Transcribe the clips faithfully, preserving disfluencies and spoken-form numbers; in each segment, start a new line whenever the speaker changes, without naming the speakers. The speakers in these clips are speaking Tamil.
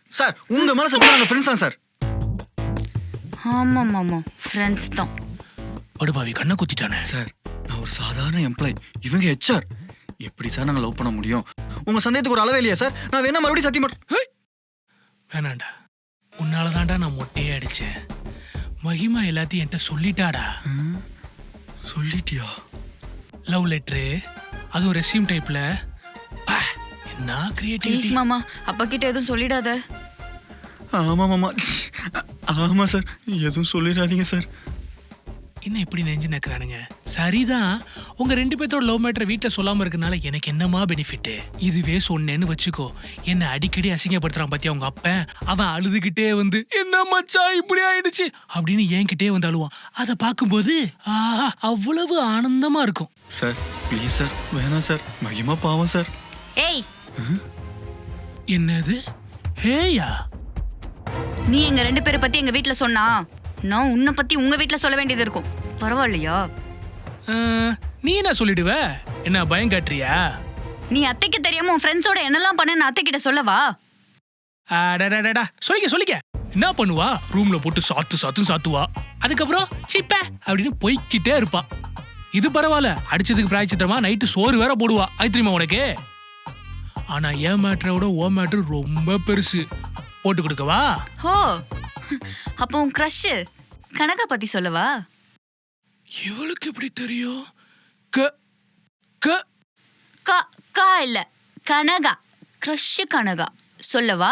சார் உங்க மேல சத்தியமா நாங்க ஃப்ரெண்ட்ஸ் தான் சார்.
ஆமாம் ஆமாம் ஃப்ரெண்ட்ஸ் தான்.
படுபாவி கண்ணை குத்திட்டானே.
சார் நான் ஒரு சாதாரண எம்ப்ளாய், இவங்க ஹெச்ஆர். எப்படி சார் நாங்க லவ் பண்ண முடியும்? உங்க சந்தேகத்துக்கு ஒரு அளவே இல்லையா சார்? நான் வேணா மறுபடியும் சத்தியம் பண்றேன்.
வேணாண்டா, உன்னால தான்டா நான் மொட்டையே அடிச்சேன். மகிமா எல்லாத்தையும் என்கிட்ட சொல்லிட்டாடா.
சொல்லிட்டியா?
லவ் லெட்ரு, அதுவும் ரெஸ்யூம் டைப்ல. என்ன
ப்ளீஸ்
கிரியேட்டிவிட்டி.
மாமா, அப்பா கிட்ட எதுவும் சொல்லிடாத.
ஆமா மாமா, ஆமா சார், எதுவும் சொல்லிடாதீங்க சார்.
என்ன இப்படி நெஞ்சு நக்கிறானுங்க? சரிதான், உங்க ரெண்டு பேர்த்தோட லவ் மேட்டரை வீட்டில் சொல்லாம இருக்கனால எனக்கு என்னமா பெனிஃபிட்? இதுவே சொன்னேன்னு வச்சுக்கோ, என்ன அடிக்கடி அசிங்கப்படுத்துறான் பாத்தியா உங்க அப்பன். அவன் அழுதுகிட்டே வந்து என்ன மச்சான் இப்படி ஆயிடுச்சு அப்படின்னு என்கிட்டே வந்து அழுவான். அதை பார்க்கும்போது ஆஹா அவ்வளவு ஆனந்தமா இருக்கும்.
சார் ப்ளீஸ் சார், வேணாம் சார், மகிமா பாவம் சார்.
ஏய்,
என்னது ஹேயா?
நீ எங்க ரெண்டு பேரை பத்தி எங்க வீட்ல சொன்னா நான் உன்னை பத்தி உங்க வீட்ல சொல்ல வேண்டியது இருக்கும். பரவாயில்லையா?
அஹ், நீ என்ன சொல்லிடுவ? என்ன பயம் காட்டுறியா?
நீ அத்தைக்கு தெரியாம உன் ஃப்ரெண்ட்ஸோட என்னெல்லாம் பண்ண நான் அத்தை கிட்ட சொல்லவா?
அடடடடா, சொல்லிக்க சொல்லிக்க. என்ன பண்ணுவா? ரூம்ல போட்டு சாத்து சாத்து சாத்துவா. அதுக்கப்புறம் சிப்ப அப்படின்னு போய்கிட்டே இருப்பா. இது பரவாயில்ல, அடிச்சதுக்கு பிராய்ச்சித்தமா நைட்டு சோறு வேற போடுவா. அது தெரியுமா உனக்கு? ஆனா என் மேட்டரோட ஓ மேட்ரு ரொம்ப பெருசு. போட்டு கொடுக்கவா?
ஹோ, அப்போ உன் க்ரஷ் கனகா பத்தி சொல்லவா?
இவளுக்கு எப்படி தெரியும்? க க
கா கா இல்ல, கனகா. க்ரஷ் கனகா சொல்லவா?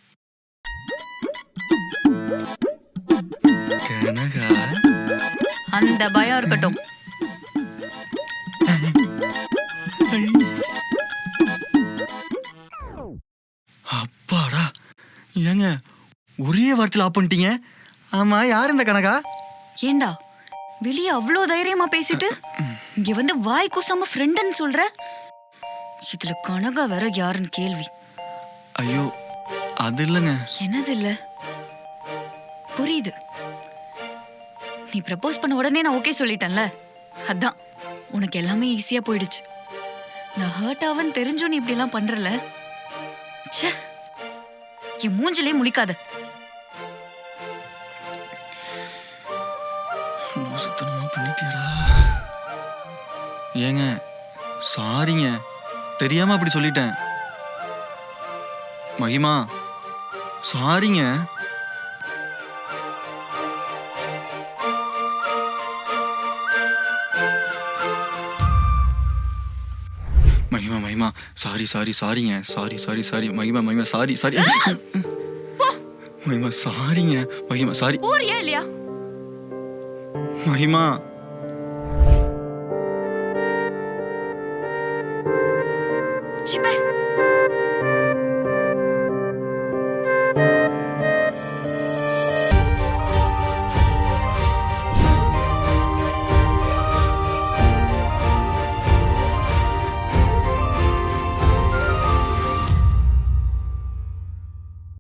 கனகா?
அந்த பயம் இருக்கட்டும்.
அப்பாடா, ஏங்க ஒரே வார்த்தையில் ஆப் பண்ணிட்டீங்க. ஆமா, யார் இந்த கனகா?
ஏண்டா வெளியே அவ்வளோ தைரியமா பேசிட்டு இங்க வந்து வாய் கூசாம ஃப்ரெண்டுன்னு சொல்ற? இதுல கனகா வேற யாருன்னு கேள்வி.
ஐயோ அது இல்லைங்க.
என்னது இல்ல? புரியுது, நீ ப்ரப்போஸ் பண்ண உடனே நான் ஓகே சொல்லிட்டேன்ல, அதான் உனக்கு எல்லாமே ஈஸியா போயிடுச்சு. நான் ஹர்ட் ஆவன்னு தெரிஞ்சும் நீ இப்படி எல்லாம் பண்றல. ச்சே, என் மூஞ்சிலே முழிக்காத.
சுத்தமா பண்ணிட்டியடா. ஏங்க சாரிங்க, தெரியாம அப்படி சொல்லிட்டேன். மகிமா சாரிங்க. மகிமா மகிமா சாரி சாரி சாரிங்க, சாரி சாரி சாரி மகிமா மகிமா சாரி சாரி மகிமா சாரிங்க. மகிமா சாரி.
போறியா இல்லையா?
மகிமா
சிப்பே